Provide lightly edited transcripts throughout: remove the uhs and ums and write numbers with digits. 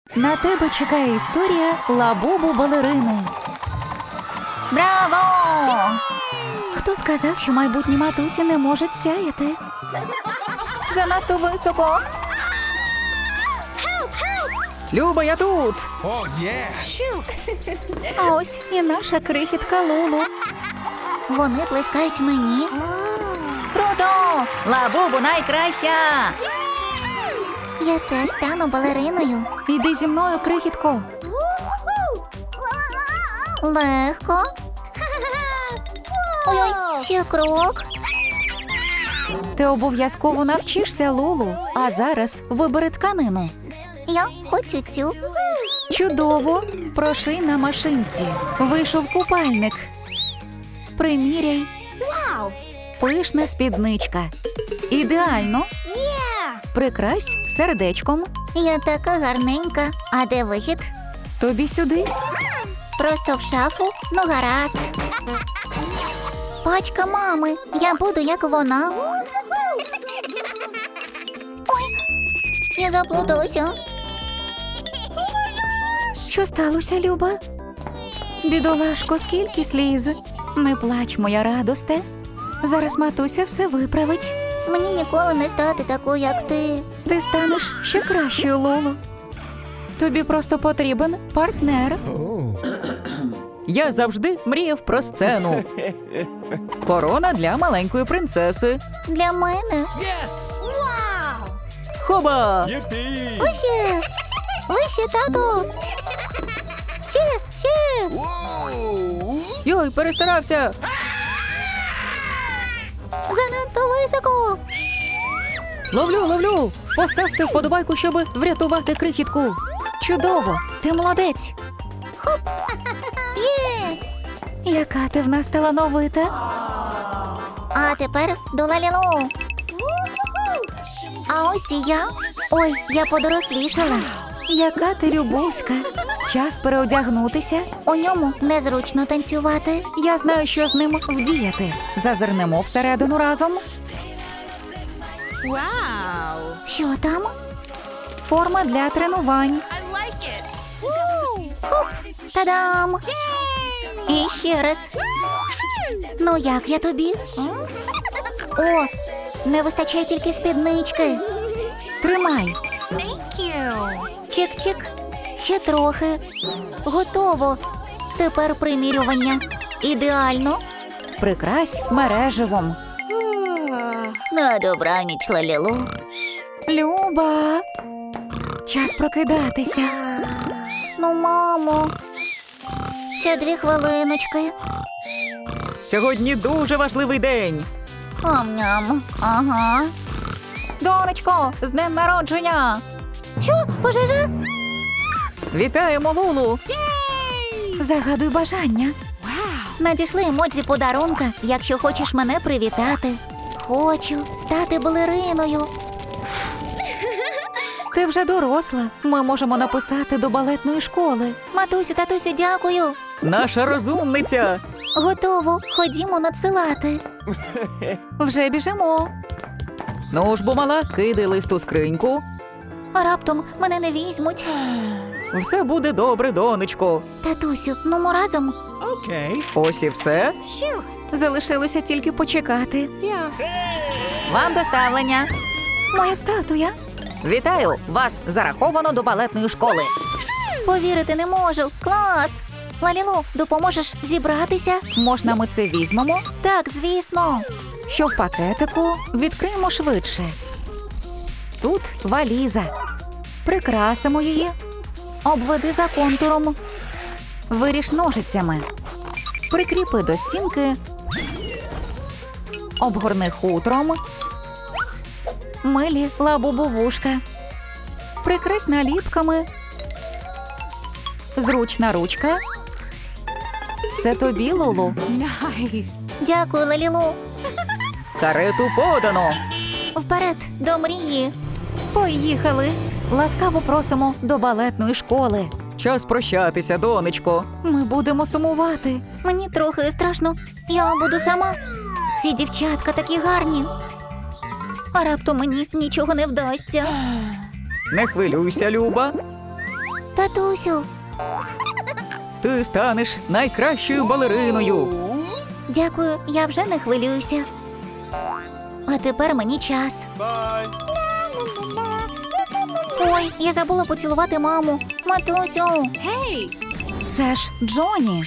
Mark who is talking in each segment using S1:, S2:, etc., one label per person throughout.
S1: На тебе чекає історія Лабубу балерини. Браво! Хто сказав, що майбутні матусі не можуть сяяти? Занадто високо.
S2: Люба, я тут!
S3: Oh, yeah!
S1: А ось і наша крихітка Лулу.
S4: Вони плескають мені.
S1: Круто! Лабубу найкраща!
S4: Я теж стану балериною.
S1: Іди зі мною, крихітко.
S4: Легко. Ой-ой, ще крок.
S1: Ти обов'язково навчишся, Лулу. А зараз вибери тканину.
S4: Я хочу цю.
S1: Чудово! Проший на машинці. Вийшов купальник. Приміряй. Пишна спідничка. Ідеально. Прикрась сердечком.
S4: Я така гарненька. А де вихід?
S1: Тобі сюди.
S4: Просто в шафу? Ну гаразд. Пачка мами. Я буду як вона. Ой, я заплуталася.
S1: Що сталося, Люба? Бідолашко, скільки сліз. Не плач, моя радосте. Зараз матуся все виправить.
S4: Мені ніколи не стати такою, як ти.
S1: Ти станеш ще кращою, Лоло. Тобі просто потрібен партнер.
S2: Я завжди мріяв про сцену. Корона для маленької принцеси.
S4: Для мене.
S3: Yes!
S2: Хоба!
S3: Yippee!
S4: Вище! Вище, тату! Ще!
S3: Whoa!
S2: Йой, перестарався!
S4: Занадто високо!
S2: Ловлю! Поставте вподобайку, щоб врятувати крихітку.
S1: Чудово! Ти молодець!
S4: Є!
S1: Яка ти в нас талановита!
S4: А тепер до Лалілу. А ось і я. Ой, я подорослішала.
S1: Яка ти любовська! Час переодягнутися.
S4: У ньому незручно танцювати.
S1: Я знаю, що з ним вдіяти. Зазирнемо всередину разом.
S4: Що там?
S1: Форма для тренувань.
S4: Та-дам! І ще раз. Ну як я тобі? О, не вистачає тільки спіднички.
S1: Тримай.
S4: Чик-чик. Ще трохи. Готово. Тепер примірювання. Ідеально.
S1: Прикрась мереживом.
S4: На добраніч, Лалілу.
S1: Люба. Час прокидатися.
S4: Ну, мамо. Ще 2 хвилиночки.
S2: Сьогодні дуже важливий день.
S4: Ам-ням. Ага.
S1: Донечко, з днем народження!
S4: Що? Пожежа?
S2: Вітаємо, Лулу!
S1: Загадуй бажання.
S4: Надійшли емодзі подарунка, якщо хочеш мене привітати. Хочу стати балериною.
S1: Ти вже доросла. Ми можемо написати до балетної школи.
S4: Матусю, татусю, дякую.
S2: Наша розумниця!
S4: Готово. Ходімо надсилати.
S1: Вже біжимо.
S2: Ну ж бо, мала, кидай лист у скриньку.
S4: А раптом мене не візьмуть.
S2: Все буде добре, донечко.
S4: Татусю, ну ми разом.
S3: Okay.
S2: Ось і все.
S1: Залишилося тільки почекати. Вам доставлення. Моя статуя.
S2: Вітаю! Вас зараховано до балетної школи.
S4: Повірити не можу. Клас. Лалілу, допоможеш зібратися?
S1: Можна ми це візьмемо?
S4: Так, звісно.
S1: Що в пакетику? Відкриємо швидше. Тут валіза. Прикрасимо її. Обведи за контуром. Виріж ножицями. Прикріпи до стінки. Обгорни хутром. Милі лабубу вушка. Прикрась наліпками. Зручна ручка. Це тобі, Лулу.
S4: Дякую, Лалілу.
S2: Карету подано.
S4: Вперед, до мрії.
S1: Поїхали. Ласкаво просимо до балетної школи.
S2: Час прощатися, донечко.
S1: Ми будемо сумувати.
S4: Мені трохи страшно. Я буду сама. Ці дівчатка такі гарні. А раптом мені нічого не вдасться.
S2: Не хвилюйся, Люба.
S4: Татусю,
S1: Ти станеш найкращою балериною.
S4: дякую, я вже не хвилююся. А тепер мені час. Ой, я забула поцілувати маму. Матусю.
S1: Це ж Джоні.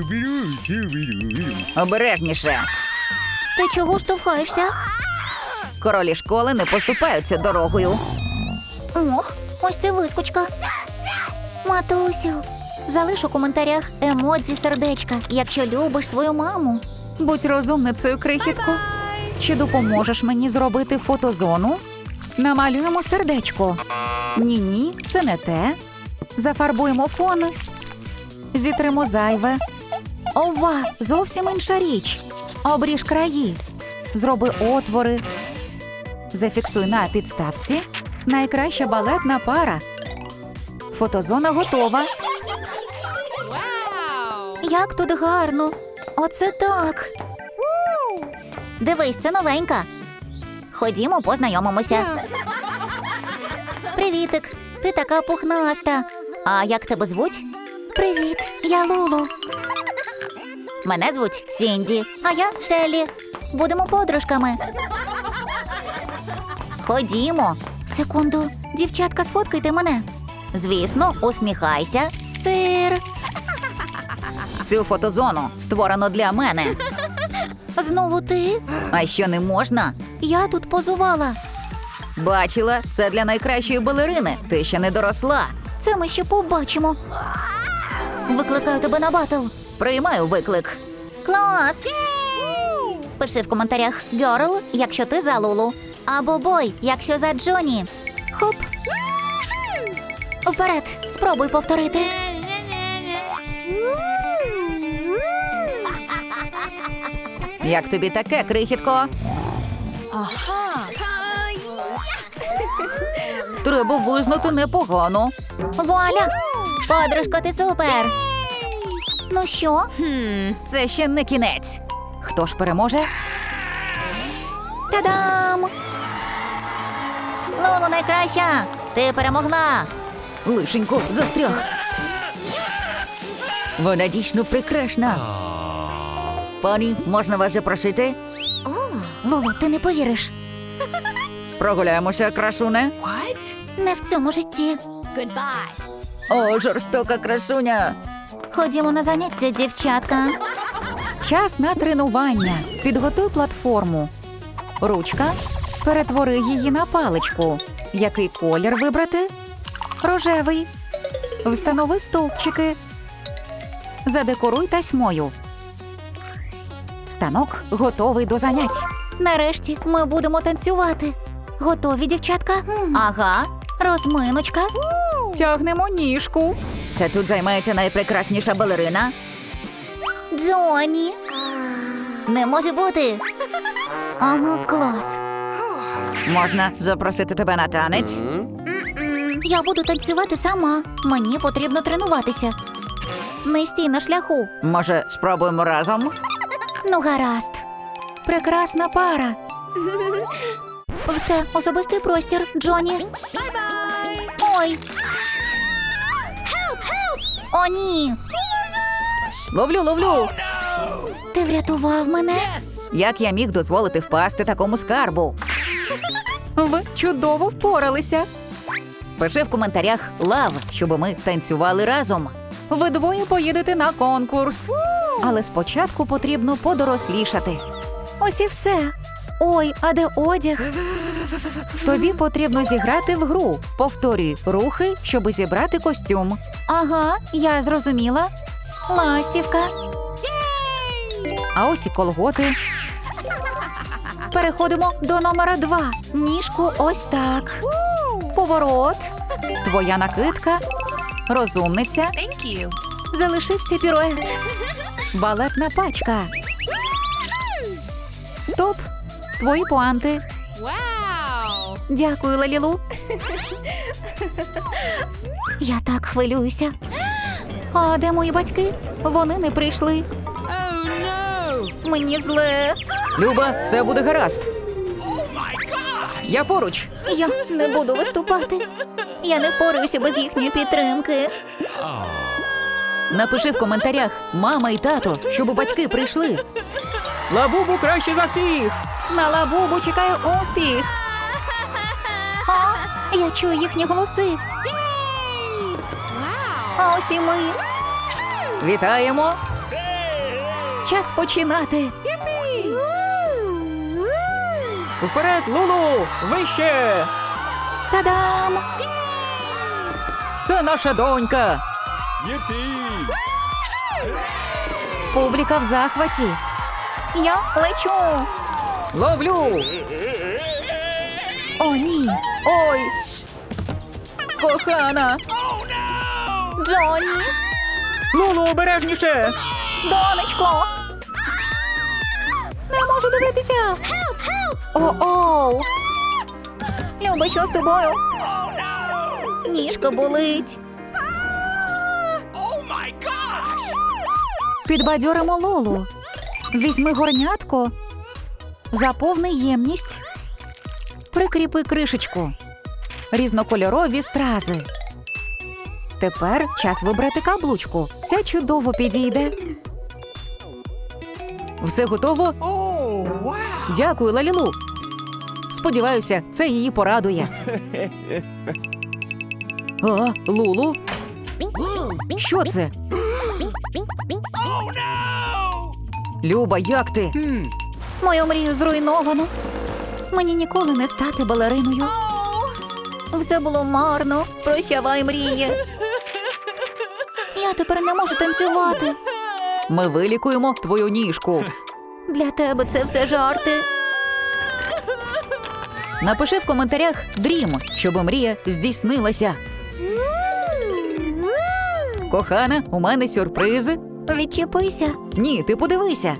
S2: Обережніше.
S4: Ти чого штовхаєшся?
S2: Королі школи не поступаються дорогою.
S4: Ох, ось це вискочка. Матусю, залиш у коментарях емодзі сердечка, якщо любиш свою маму.
S1: Будь розумницею, крихітко. Чи допоможеш мені зробити фотозону? Намалюємо сердечко. Ні, це не те. Зафарбуємо фон. Зітримо зайве. Ова, зовсім інша річ. Обріж краї. Зроби отвори. Зафіксуй на підставці. Найкраща балетна пара. Фотозона готова.
S4: Як тут гарно. Оце так. Дивись, це новенька. Ходімо, познайомимося. Привітик, ти така пухнаста. А як тебе звуть? Привіт, я Лулу. Мене звуть Сінді, а я Шеллі. Будемо подружками. Ходімо. Секунду, дівчатка, сфоткайте мене. Звісно, усміхайся. Сир.
S2: Цю фотозону створено для мене.
S4: Знову ти?
S2: А що не можна?
S4: Я тут позувала.
S2: Бачила, це для найкращої балерини. Ти ще не доросла.
S4: Це ми ще побачимо. Викликаю тебе на батл.
S2: Приймаю виклик.
S4: Клас! Пиши в коментарях «Герл», якщо ти за Лулу. Або «Бой», якщо за Джоні. Хоп. Вперед, спробуй повторити.
S2: Як тобі таке, крихітко?
S1: Треба визнати непогано.
S4: Вуаля! Подружко, ти супер! Ну що?
S2: Це ще не кінець.
S1: Хто ж переможе?
S4: Та-дам! Лулу найкраща! Ти перемогла!
S2: Лишенько застряг. Вона дійсно прекрасна. Пані, можна вас запросити?
S4: Лулу, ти не повіриш.
S2: Прогуляємося, красуне.
S4: Не в цьому житті.
S2: О, жорстока красуня.
S4: Ходімо на заняття, дівчатка.
S1: Час на тренування. Підготуй платформу. Ручка. Перетвори її на паличку. Який колір вибрати? Рожевий. Встанови стовпчики. Задекоруй тасьмою. Станок готовий до занять.
S4: Нарешті ми будемо танцювати. Готові, дівчатка?
S2: Ага.
S4: Розминочка.
S1: Тягнемо ніжку.
S2: Це тут займається найпрекрасніша балерина.
S4: Джоні. Не може бути. Ага, клас.
S2: Можна запросити тебе на танець?
S4: Я буду танцювати сама. Мені потрібно тренуватися. Не стій на шляху.
S2: Може, спробуємо разом?
S4: Ну, гаразд.
S1: Прекрасна пара.
S4: Все, особистий простір, Джоні. Ой. О, ні.
S2: Ловлю.
S4: Ти врятував мене?
S2: Як я міг дозволити впасти такому скарбу?
S1: Ви чудово впоралися.
S2: Пиши в коментарях «Лав», щоб ми танцювали разом.
S1: Ви двоє поїдете на конкурс. Але спочатку потрібно подорослішати. Ось і все. Ой, а де одяг? Тобі потрібно зіграти в гру. Повторюй рухи, щоб зібрати костюм.
S4: Ага, я зрозуміла. Ластівка.
S1: А ось і колготи.
S4: Переходимо до номера 2.
S1: Ніжку ось так. Поворот. Твоя накидка. Розумниця. Залишився пірует. Балетна пачка. Стоп. Твої пуанти. Дякую, Лалілу.
S4: Я так хвилююся.
S1: А де мої батьки? Вони не прийшли. Мені зле.
S2: Люба, все буде гаразд.
S1: Я поруч.
S4: Я не буду виступати. Я не впораюся без їхньої підтримки.
S2: Напиши в коментарях мама і тато, щоб батьки прийшли.
S1: Лабубу краще за всіх. На Лабубу чекає успіх.
S4: А, я чую їхні голоси. А ось і ми.
S1: Вітаємо. Час починати. Вперед, Лулу! Вище!
S4: Та-дам!
S1: Це наша донька.
S3: Yippee!
S1: Публіка в захваті.
S4: Я лечу.
S1: Ловлю.
S4: О, ні.
S1: Ой. Кохана.
S4: Джонні,
S1: Лулу, обережніше.
S4: донечко. Не можу дивитися. О-оу. Люба, що з тобою? Ніжка болить.
S1: Підбадьоримо Лолу. Візьми горнятко. Заповни ємність. Прикріпи кришечку. Різнокольорові стрази. Тепер час вибрати каблучку. Це чудово підійде. Все готово?
S3: Oh, wow!
S1: Дякую, Лалілу. Сподіваюся, це її порадує. О, Лулу? Що це? Люба, як ти?
S4: Мою мрію зруйновано. Мені ніколи не стати балериною. Все було марно. Прощавай, мріє. Я тепер не можу танцювати.
S1: Ми вилікуємо твою ніжку.
S4: Для тебе це все жарти.
S1: Напиши в коментарях «Дрім», щоб мрія здійснилася. Кохана, у мене сюрпризи.
S4: Відчепися.
S1: Ні, ти подивися.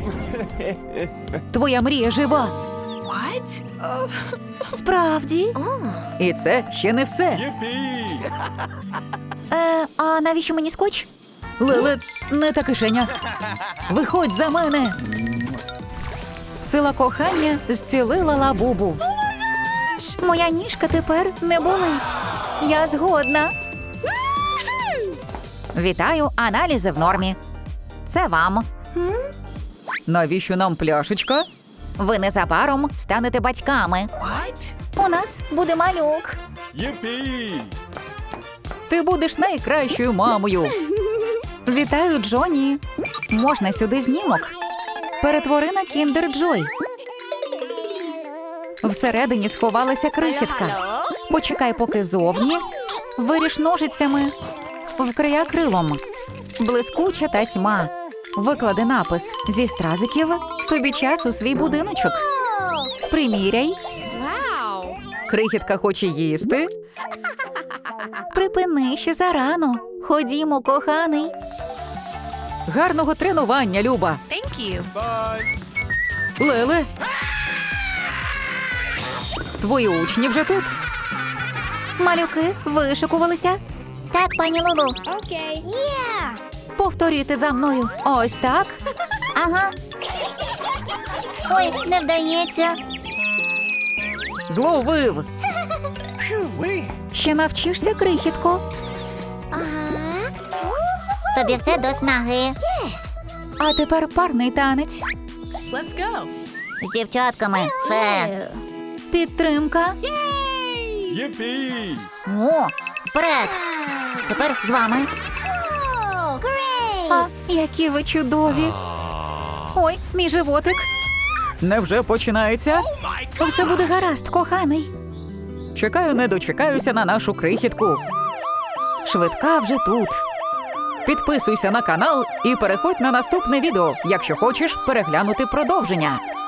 S1: Твоя мрія жива.
S4: Справді?
S1: І це ще не все.
S3: Yippee!
S4: А навіщо мені скотч?
S1: Леле, не та кишеня. Виходь за мене. Сила кохання зцілила Лабубу.
S4: Моя ніжка тепер не болить. Я згодна.
S1: Вітаю, аналізи в нормі.
S4: Це вам.
S1: Навіщо нам пляшечка?
S4: Ви незабаром станете батьками. У нас буде малюк.
S3: Yippee!
S1: Ти будеш найкращою мамою. Вітаю, Джонні. Можна сюди знімок? Перетвори на Кіндер Джой. Всередині сховалася крихітка. Почекай, поки зовні. Виріж ножицями. Вкрий акрилом. Блискуча тасьма. Виклади напис зі стразиків. Тобі час у свій будиночок. Приміряй. Крихітка хоче їсти.
S4: Припини ще зарано. Ходімо, коханий.
S1: Гарного тренування, Люба.
S3: Bye!
S1: Леле. Твої учні вже тут.
S4: Малюки вишикувалися. Так, пані Лулу.
S1: Повторюйте за мною. Ось так.
S4: Ага. Ой, не вдається.
S1: Зловив.
S3: Wee!
S1: Ще навчишся, крихітко?
S4: Тобі все до снаги.
S1: А тепер парний танець.
S4: З дівчатками. Фе.
S1: Підтримка.
S3: Yippee!
S4: О, вперед. Тепер з вами.
S1: А, які ви чудові. Ой, мій животик. Невже починається? Все буде гаразд, коханий. Чекаю, не дочекаюся на нашу крихітку. Швидка вже тут. Підписуйся на канал і переходь на наступне відео, якщо хочеш переглянути продовження.